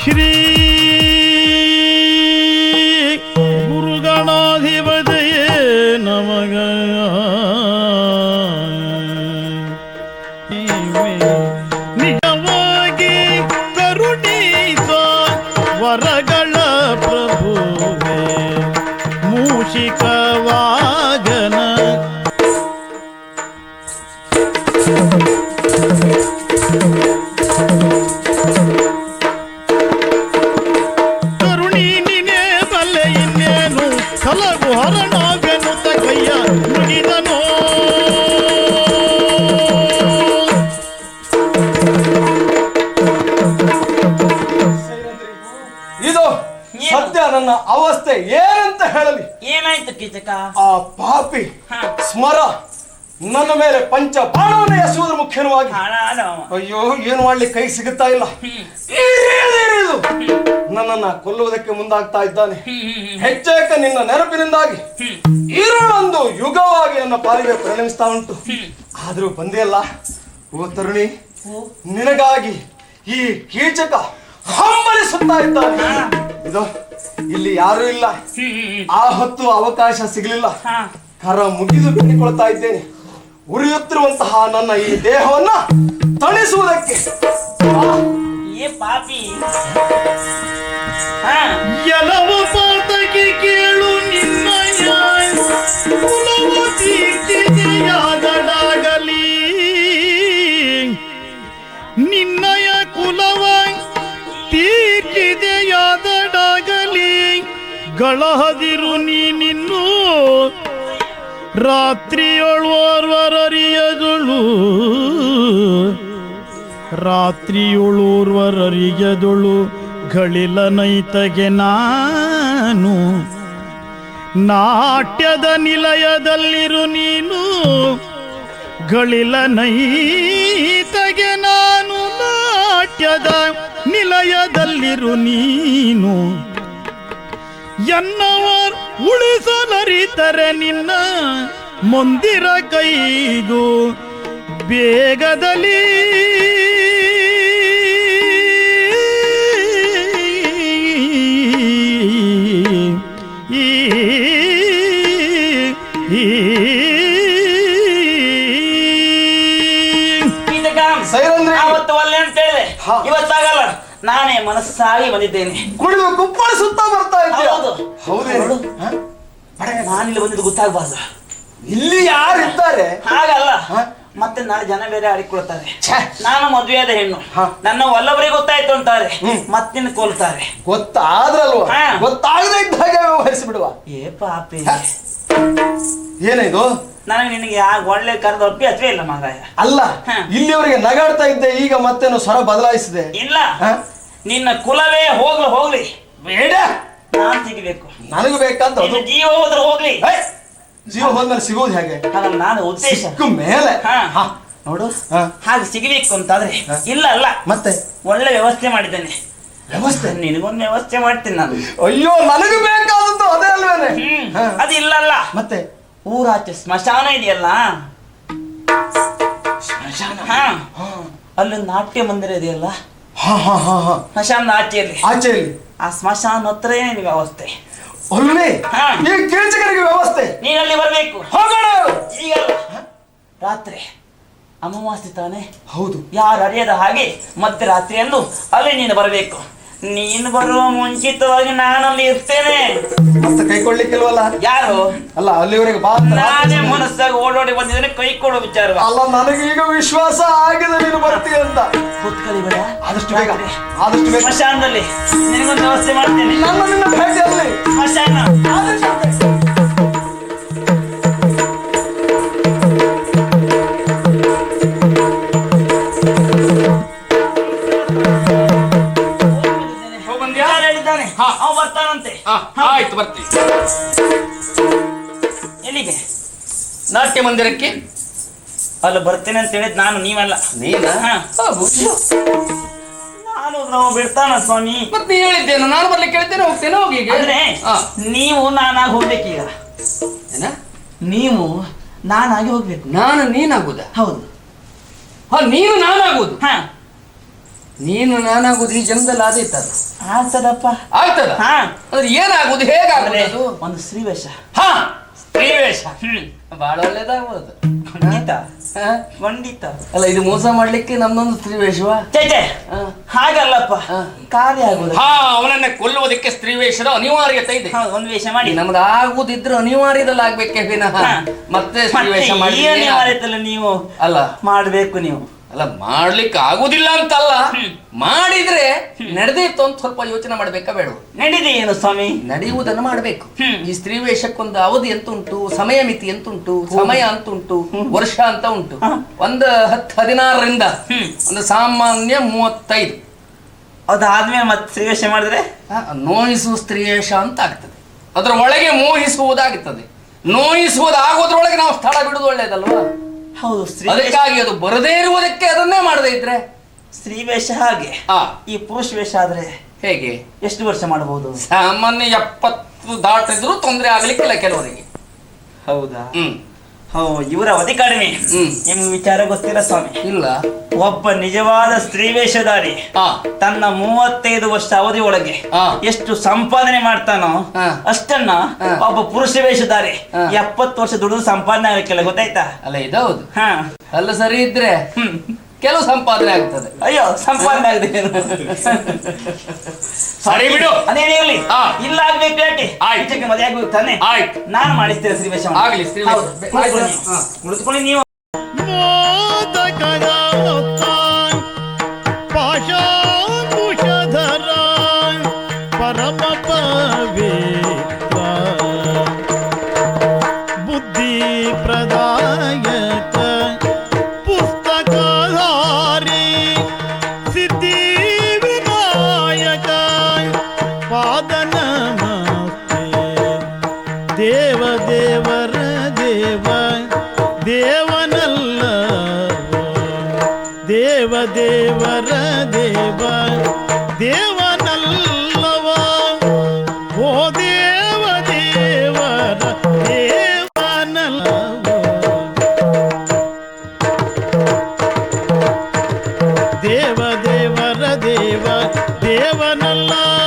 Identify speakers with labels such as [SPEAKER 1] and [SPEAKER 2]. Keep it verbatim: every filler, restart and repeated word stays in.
[SPEAKER 1] ಶ್ರೀ ಗುರುಗಣಾಧಿಪತಿಯೇ ನಮಗ ನಿಜವಾಗಿ ಕರುಣಿಸ ವರಗಳ ಪ್ರಭುವೇ ಮೂಷಿಕವಾಗನ ಕರುಣಿ ನಿನೇ ಬಲ್ಲೆ ಇನ್ನೇನು ಕಲಗು ಹರಣವೆನ್ನುತ್ತ ಕೈಯ ಮುಗಿದನೋ
[SPEAKER 2] ಇದು ಸದ್ಯ ನನ್ನ ಅವಸ್ಥೆ ಏನಂತ ಹೇಳಲಿ.
[SPEAKER 3] ಏನಾಯ್ತು ಕೀಚಕ?
[SPEAKER 2] ಆ ಪಾಪಿ ಸ್ಮರ ನನ್ನ ಮೇಲೆ ಪಂಚ ಬಾಣವನ್ನೇ ಎಸುವುದರ ಮುಖ್ಯವಾಗಿ ಅಯ್ಯೋ ಏನು ಮಾಡ್ಲಿಕ್ಕೆ ಕೈ ಸಿಗುತ್ತಾ ಇಲ್ಲ. ನನ್ನನ್ನ ಕೊಲ್ಲುವುದಕ್ಕೆ ಮುಂದಾಗ್ತಾ ಇದ್ದಾನೆ. ಹೆಚ್ಚೇಕ ನಿನ್ನ ನೆನಪಿನಿಂದಾಗಿ ಇರುಳೊಂದು ಯುಗವಾಗಿ ನನ್ನ ಪಾಲಿಗೆ ಪರಿಣಮಿಸ್ತಾ ಉಂಟು. ಆದ್ರೂ ಬಂದೇ ಅಲ್ಲ. ಓ ತರುಣಿ, ನಿನಗಾಗಿ ಈ ಕೀಚಕ ಹಂಬಲಿಸುತ್ತಾ ಇದ್ದಾನೆ. ಇದು ಇಲ್ಲಿ ಯಾರು ಇಲ್ಲ. ಆ ಹೊತ್ತು ಅವಕಾಶ ಸಿಗಲಿಲ್ಲ. ಕರ ಮುಗಿದು ಬೇಡಿಕೊಳ್ತಾ ಇದ್ದೇನೆ. ಉರಿಯುತ್ತಿರುವಂತಹ ನನ್ನ ಈ ದೇಹವನ್ನ ತಣಿಸುವುದಕ್ಕೆ.
[SPEAKER 3] ಏ ಪಾಪಿ,
[SPEAKER 1] ಎಲ್ಲವ ಪಾತಕ್ಕೆ ಕೇಳು ನಿನ್ನಯ ಕುಲವ ತೀರ್ಚಿದೆಯಾದಡಾಗಲಿ. ನಿನ್ನಯ ಕುಲವ ತೀರ್ಚಿದೆಯಾದಡಾಗಲಿ. ಗಳಹದಿರು ನೀನಿನ್ನು ರಾತ್ರಿಯೊಳೋರ್ವರರಿಯದೊಳು ರಾತ್ರಿಯೊಳೋರ್ವರರಿಯದೊಳು ಗಳಿಲ ನೈತಗೆ ನಾನು. ನಾಟ್ಯದ ನಿಲಯದಲ್ಲಿರು ನೀನು ಗಳಿಲ ನೈತಗೆ ನಾನು. ನಾಟ್ಯದ ನಿಲಯದಲ್ಲಿರು ನೀನು. ಎನ್ನವರ್ ಉಳಿಸಲರಿತರೆ ನಿನ್ನ ಮಂದಿರ ಕೈದು ಬೇಗದಲ್ಲಿ.
[SPEAKER 3] ಅವತ್ತು ಒಳ್ಳೆ ಅಂತ ಹೇಳಿ ಇವತ್ತಾಗಲ್ಲ. ನಾನೇ ಮನಸ್ಸಾಗಿ ಬಂದಿದ್ದೇನೆ.
[SPEAKER 2] ಕುಡಿದು ಕುಪ್ಪಳಿಸುತ್ತಾ ಬರ್ತಾ ಇದ್ದೆ.
[SPEAKER 3] ಹೌದು, ನಾನಿಲ್ಲಿ ಬಂದಿದ್ದು ಗೊತ್ತಾಗಬಾರ್ದು.
[SPEAKER 2] ಇಲ್ಲಿ ಯಾರಿದ್ದಾರೆ?
[SPEAKER 3] ಹಾಗಲ್ಲ, ಮತ್ತೆ ನಾಳೆ ಜನ ಬೇರೆ ಆಡಿಕೊಳ್ತಾರೆ. ನಾನು ಮದುವೆಯಾದ ಹೆಣ್ಣು, ನನ್ನ ಒಲ್ಲೊಬ್ಬರಿಗೆ ಗೊತ್ತಾಯ್ತು ಅಂತಾರೆ, ಮತ್ತಿನ ಕೊಲ್ತಾರೆ.
[SPEAKER 2] ಗೊತ್ತಾದ್ರಲ್ವಾ? ಗೊತ್ತಾಗದೇ ಇದ್ದ ಹಾಗೆ ವ್ಯವಹರಿಸಿ ಬಿಡುವ.
[SPEAKER 3] ಏ ಪಾಪಿ,
[SPEAKER 2] ಏನಿದು?
[SPEAKER 3] ನನಗೆ ನಿನಗೆ ಒಳ್ಳೆ ಕರೆದ ಒಪ್ಪಿ ಹಚ್ಚವೇ ಇಲ್ಲ ಮಗಾಯ.
[SPEAKER 2] ಅಲ್ಲ, ಇಲ್ಲಿವರೆಗೆ ನಗಾಡ್ತಾ ಇದ್ದೆ, ಈಗ ಮತ್ತೇನು ಸ್ವರ ಬದಲಾಯಿಸಿದೆ.
[SPEAKER 3] ಇಲ್ಲ, ನಿನ್ನ ಕುಲವೇ ಹೋಗ್ಲಿ ಹೋಗ್ಲಿ,
[SPEAKER 2] ಬೇಡ
[SPEAKER 3] ನಾನ್ ಸಿಗಬೇಕು.
[SPEAKER 2] ನನಗೂ ಬೇಕಂತ.
[SPEAKER 3] ಜೀವ ಹೋದ್ರೆ ಹೋಗ್ಲಿ.
[SPEAKER 2] ಜೀವ ಹೋದ್ಮೇಲೆ ಸಿಗೋದು ಹೇಗೆ?
[SPEAKER 3] ನಾನು ಉದ್ದೇಶ
[SPEAKER 2] ಮೇಲೆ
[SPEAKER 3] ನೋಡು, ಹಾಗೆ ಸಿಗಬೇಕು ಅಂತಾದ್ರೆ ಇಲ್ಲ ಅಲ್ಲ,
[SPEAKER 2] ಮತ್ತೆ
[SPEAKER 3] ಒಳ್ಳೆ ವ್ಯವಸ್ಥೆ ಮಾಡಿದ್ದೇನೆ.
[SPEAKER 2] ವ್ಯವಸ್ಥೆ?
[SPEAKER 3] ನಿನಗೊಂದು ವ್ಯವಸ್ಥೆ ಮಾಡ್ತೀನಿ ನಾನು.
[SPEAKER 2] ಅಯ್ಯೋ, ನನಗೂ ಬೇಕಾದದ್ದು ಅದೇ ಅಲ್ವೇನೆ.
[SPEAKER 3] ಅದು ಇಲ್ಲ ಅಲ್ಲ,
[SPEAKER 2] ಮತ್ತೆ
[SPEAKER 3] ಊರಾಚೆ ಸ್ಮಶಾನ ಇದೆಯಲ್ಲ,
[SPEAKER 2] ಸ್ಮಶಾನ.
[SPEAKER 3] ಅಲ್ಲಿ ನಾಟ್ಯ ಮಂದಿರ ಇದೆಯಲ್ಲ, ಸ್ಮಶಾನದ ಆಚೆಯಲ್ಲಿ
[SPEAKER 2] ಆಚೆಯಲ್ಲಿ
[SPEAKER 3] ಆ ಸ್ಮಶಾನ ಹತ್ರ ಏನೇನು ವ್ಯವಸ್ಥೆ
[SPEAKER 2] ಒಳ್ಳೆ ಈ ಕೀಚಕರಿಗೆ ವ್ಯವಸ್ಥೆ.
[SPEAKER 3] ನೀನಲ್ಲಿ ಬರಬೇಕು.
[SPEAKER 2] ಹೋಗೋಣ.
[SPEAKER 3] ಈಗಲ್ಲ, ರಾತ್ರಿ ಅಮಾವಾಸ್ಯೆ ತಾನೆ?
[SPEAKER 2] ಹೌದು.
[SPEAKER 3] ಯಾರು ಅರಿಯದ ಹಾಗೆ ಮಧ್ಯರಾತ್ರಿಯಂದು ಅಲ್ಲಿ ನೀನು ಬರಬೇಕು. ನೀನು ಬರುವ ಮುಂಚಿತವಾಗಿ ನಾನಲ್ಲಿ ಇರ್ತೇನೆ.
[SPEAKER 2] ಮತ್ತೆ ಕೈ ಕೊಡ್ಲಿಕ್ಕಿಲ್ವಲ್ಲ?
[SPEAKER 3] ಯಾರು?
[SPEAKER 2] ಅಲ್ಲ, ಅಲ್ಲಿವರೆಗೆ ಬಾ.
[SPEAKER 3] ನಾನೇ ಮನಸ್ಸಾಗಿ ಓಡೋಡಿ ಬಂದಿದ್ದೇನೆ, ಕೈ ಕೊಡೋ ವಿಚಾರ
[SPEAKER 2] ಅಲ್ಲ. ನನಗೆ ಈಗ ವಿಶ್ವಾಸ ಆಗಿದೆ ನೀನು ಬರ್ತೀಯ ಅಂತ.
[SPEAKER 3] ಕೂತ್ಕೊಳ್ಳಿ ಬೇಡ,
[SPEAKER 2] ಆದಷ್ಟು ಬೇಗ, ಆದಷ್ಟು ಬೇಗ
[SPEAKER 3] ಸ್ಮಶಾನದಲ್ಲಿ ನಿನಗೊಂದು ವ್ಯವಸ್ಥೆ ಮಾಡ್ತೇನೆ.
[SPEAKER 2] ನನ್ನ ನಿನ್ನ ಭೇಟಿಯಲ್ಲಿ
[SPEAKER 3] ಸ್ಮಶಾನ ಅವ ಬರ್ತಾನಂತೆ.
[SPEAKER 4] ಆಯ್ತು, ಬರ್ತೀವಿ.
[SPEAKER 3] ಎಲ್ಲಿಗೆ?
[SPEAKER 4] ನಾಟ್ಯ ಮಂದಿರಕ್ಕೆ.
[SPEAKER 3] ಅಲ್ಲ ಬರ್ತೇನೆ ಅಂತ ಹೇಳಿದ್ ನಾನು, ನೀವಲ್ಲ.
[SPEAKER 4] ನೀನ?
[SPEAKER 3] ನಾನು ನಾವು ಬಿಡ್ತಾನ ಸ್ವಾಮಿ.
[SPEAKER 4] ಮತ್ತೆ ನೀ ಹೇಳಿದ್ದೇನು? ನಾನು ಬರ್ಲಿಕ್ಕೆ ಹೇಳಿದ್ದೇನೆ, ಹೋಗ್ತೇನೆ. ಹೋಗಿ.
[SPEAKER 3] ಅಂದ್ರೆ ನೀವು ನಾನಾಗಿ ಹೋಗ್ಬೇಕೀಗ.
[SPEAKER 4] ಏನ?
[SPEAKER 3] ನೀವು ನಾನಾಗಿ ಹೋಗ್ಬೇಕು.
[SPEAKER 4] ನಾನು ನೀನಾಗುದ?
[SPEAKER 3] ಹೌದು.
[SPEAKER 4] ನೀನು ನಾನಾಗುದು?
[SPEAKER 3] ಹ
[SPEAKER 4] ನೀನು ನಾನಾಗುದು ಈ ಜನ್ಮದಲ್ಲಿ ಆದೀತದ
[SPEAKER 3] ಆಗ್ತದಪ್ಪ.
[SPEAKER 4] ಆಗ್ತದ
[SPEAKER 3] ಹಾ
[SPEAKER 4] ಅಂದ್ರೆ ಏನಾಗುದು
[SPEAKER 3] ಅಂದ್ರೆ
[SPEAKER 4] ಹೇಗಾಗುದು
[SPEAKER 3] ಒಂದು ಸ್ತ್ರೀವೇಷ.
[SPEAKER 4] ಹಾ ಸ್ತ್ರೀವೇಷ
[SPEAKER 3] ಹ್ಮ್
[SPEAKER 4] ಬಹಳ ಒಳ್ಳೇದಾಗ್ಬೋದು.
[SPEAKER 3] ಖಂಡಿತ
[SPEAKER 4] ಹಾ?
[SPEAKER 3] ಖಂಡಿತ.
[SPEAKER 4] ಅಲ್ಲ ಇದು ಮೋಸ ಮಾಡ್ಲಿಕ್ಕೆ ನಮ್ದೊಂದು ಸ್ತ್ರೀವೇಷವಾ?
[SPEAKER 3] ಚೇಚೆ
[SPEAKER 4] ಹಾ.
[SPEAKER 3] ಹಾಗಲ್ಲಪ್ಪ,
[SPEAKER 4] ಹಾ.
[SPEAKER 3] ಕಾರ್ಯ ಆಗುದು.
[SPEAKER 4] ಹಾ ಅವನನ್ನ ಕೊಲ್ಲುವುದಕ್ಕೆ ಸ್ತ್ರೀವೇಷದ ಅನಿವಾರ್ಯತೆ ಇದೆ.
[SPEAKER 3] ಹೌದು, ಒಂದು ವೇಷ ಮಾಡಿ
[SPEAKER 4] ನಮ್ದು ಆಗುದಿದ್ರೆ ಅನಿವಾರ್ಯದಲ್ಲಿ ಆಗ್ಬೇಕೆ ವಿನಃ
[SPEAKER 3] ಹಾ.
[SPEAKER 4] ಮತ್ತೆ ಸ್ತ್ರೀವೇಷ
[SPEAKER 3] ಮತ್ತೆ
[SPEAKER 4] ಮಾಡಿ
[SPEAKER 3] ಈ ಅನಿವಾರ್ಯತೆಲ್ಲ ನೀವು
[SPEAKER 4] ಅಲ್ಲ
[SPEAKER 3] ಮಾಡ್ಬೇಕು ನೀವು.
[SPEAKER 4] ಅಲ್ಲ ಮಾಡ್ಲಿಕ್ಕೆ ಆಗುದಿಲ್ಲ ಅಂತಲ್ಲ, ಮಾಡಿದ್ರೆ ನಡೆದಿತ್ತು ಅಂತ ಸ್ವಲ್ಪ ಯೋಚನೆ ಮಾಡ್ಬೇಕಾ ಬೇಡ?
[SPEAKER 3] ನಡೀದೆ ಏನು ಸ್ವಾಮಿ?
[SPEAKER 4] ನಡೆಯುವುದನ್ನು ಮಾಡ್ಬೇಕು.
[SPEAKER 3] ಹ್ಮ್.
[SPEAKER 4] ಈ ಸ್ತ್ರೀ ವೇಷಕ್ಕೊಂದು ಅವಧಿ ಅಂತ ಉಂಟು, ಸಮಯ ಮಿತಿ ಅಂತ ಉಂಟು, ಸಮಯ ಅಂತ ಉಂಟು, ವರ್ಷ ಅಂತ ಉಂಟು. ಒಂದು ಹತ್ತು ಹದಿನಾರರಿಂದ
[SPEAKER 3] ಹ್ಮ್.
[SPEAKER 4] ಒಂದು ಸಾಮಾನ್ಯ ಮೂವತ್ತೈದು
[SPEAKER 3] ಅದಾದ್ಮೇಲೆ ಮತ್ತೆ ಸ್ತ್ರೀವೇಷ ಮಾಡಿದ್ರೆ
[SPEAKER 4] ಆ, ನೋಯಿಸುವ ಸ್ತ್ರೀ ವೇಷ ಅಂತ ಆಗ್ತದೆ. ಅದರ ಒಳಗೆ ಮೋಹಿಸುವುದಾಗ್ತದೆ. ನೋಯಿಸುವುದಾಗೋದ್ರೊಳಗೆ ನಾವು ಸ್ಥಳ ಬಿಡುವುದು ಒಳ್ಳೇದಲ್ವಾ?
[SPEAKER 3] ಹೌದು. ಸ್ತ್ರೀ
[SPEAKER 4] ಅದಕ್ಕಾಗಿ ಅದು ಬರದೇ ಇರುವುದಕ್ಕೆ ಅದನ್ನೇ ಮಾಡದೇ ಇದ್ರೆ
[SPEAKER 3] ಸ್ತ್ರೀವೇಷ ಹಾಗೆ.
[SPEAKER 4] ಆ
[SPEAKER 3] ಈ ಪುರುಷ ವೇಷ ಆದ್ರೆ
[SPEAKER 4] ಹೇಗೆ?
[SPEAKER 3] ಎಷ್ಟು ವರ್ಷ ಮಾಡಬಹುದು?
[SPEAKER 4] ಸಾಮಾನ್ಯ ಎಪ್ಪತ್ತು ದಾಟಿದ್ರು ತೊಂದರೆ ಆಗ್ಲಿಕ್ಕಿಲ್ಲ ಕೆಲವರಿಗೆ.
[SPEAKER 3] ಹೌದಾ?
[SPEAKER 4] ಹ್ಮ್
[SPEAKER 3] ಹೋ ಇವರ ಅವಧಿ ಕಡಿಮೆ.
[SPEAKER 4] ಹ್ಮ್.
[SPEAKER 3] ನಿಮ್ಗೆ ವಿಚಾರ ಗೊತ್ತಿಲ್ಲ ಸ್ವಾಮಿ.
[SPEAKER 4] ಇಲ್ಲ.
[SPEAKER 3] ಒಬ್ಬ ನಿಜವಾದ ಸ್ತ್ರೀ ವೇಷಧಾರಿ
[SPEAKER 4] ಹಾ
[SPEAKER 3] ತನ್ನ ಮೂವತ್ತೈದು ವರ್ಷ ಅವಧಿ ಒಳಗೆ
[SPEAKER 4] ಹಾ.
[SPEAKER 3] ಎಷ್ಟು ಸಂಪಾದನೆ ಮಾಡ್ತಾನೋ
[SPEAKER 4] ಹಾ.
[SPEAKER 3] ಅಷ್ಟನ್ನ
[SPEAKER 4] ಹಾ.
[SPEAKER 3] ಒಬ್ಬ ಪುರುಷ ವೇಷಧಾರಿ
[SPEAKER 4] ಹಾ.
[SPEAKER 3] ಎಪ್ಪತ್ತು ವರ್ಷ ದುಡಿದು ಸಂಪಾದನೆ ಆಗಲಿಕ್ಕಿಲ್ಲ, ಗೊತ್ತಾಯ್ತಾ?
[SPEAKER 4] ಅಲ್ಲ ಇದೌದು.
[SPEAKER 3] ಹಾ.
[SPEAKER 4] ಅಲ್ಲ ಸರಿ ಇದ್ರೆ
[SPEAKER 3] ಹ್ಮ್.
[SPEAKER 4] ಕೆಲವು ಸಂಪಾದನೆ ಆಗ್ತದೆ.
[SPEAKER 3] ಅಯ್ಯೋ, ಸಂಪಾದನೆ ಆಗದೆ
[SPEAKER 4] ಸರಿ ಬಿಡು.
[SPEAKER 3] ಅದೇನಿರ್ಲಿ,
[SPEAKER 4] ಹಾ.
[SPEAKER 3] ಇಲ್ಲ ಆಗ್ಬೇಕು ಯಾಕೆ?
[SPEAKER 4] ಆಯ್ತು.
[SPEAKER 3] ಈಚೆಗೆ ಮದುವೆ ಆಗ್ಬೇಕು ತಾನೆ?
[SPEAKER 4] ಆಯ್ತು.
[SPEAKER 3] ನಾನು ಮಾಡಿಸ್ತೇನೆ ಸ್ತ್ರೀವೇಷ.
[SPEAKER 4] ಆಗ್ಲಿ, ಸ್ತ್ರೀವೇಷ.
[SPEAKER 3] ಹೌದು. ಕುಳಿತುಕೊಳ್ಳಿ
[SPEAKER 4] ಆಯ್ತು.
[SPEAKER 3] ನೀವು.
[SPEAKER 4] ಹಾ.
[SPEAKER 3] ಕುಳಿತುಕೊಳ್ಳಿ ನೀವು.
[SPEAKER 1] ಮೋದಕದ ಮುತ್ತಾನ್ ಪಾಶಾಂಕುಶಧರ ಪರಮ ಪವಿತ್ರ ಬುದ್ಧಿ ಪ್ರದಾಯಕ ಪುಸ್ತಕಧಾರಿ ಸಿದ್ಧಿ ವಿನಾಯಕ ಪಾದ ನಮಸ್ತೆ ದೇವ ದೇವರ ದೇವ ದೇವನಲ್ಲ ದೇವ ದೇವರ ದೇವ ದೇವನಲ್ಲವ ಓ ದೇವ ದೇವರ ದೇವನಲ್ಲವ ದೇವ ದೇವರ ದೇವ ದೇವನಲ್ಲ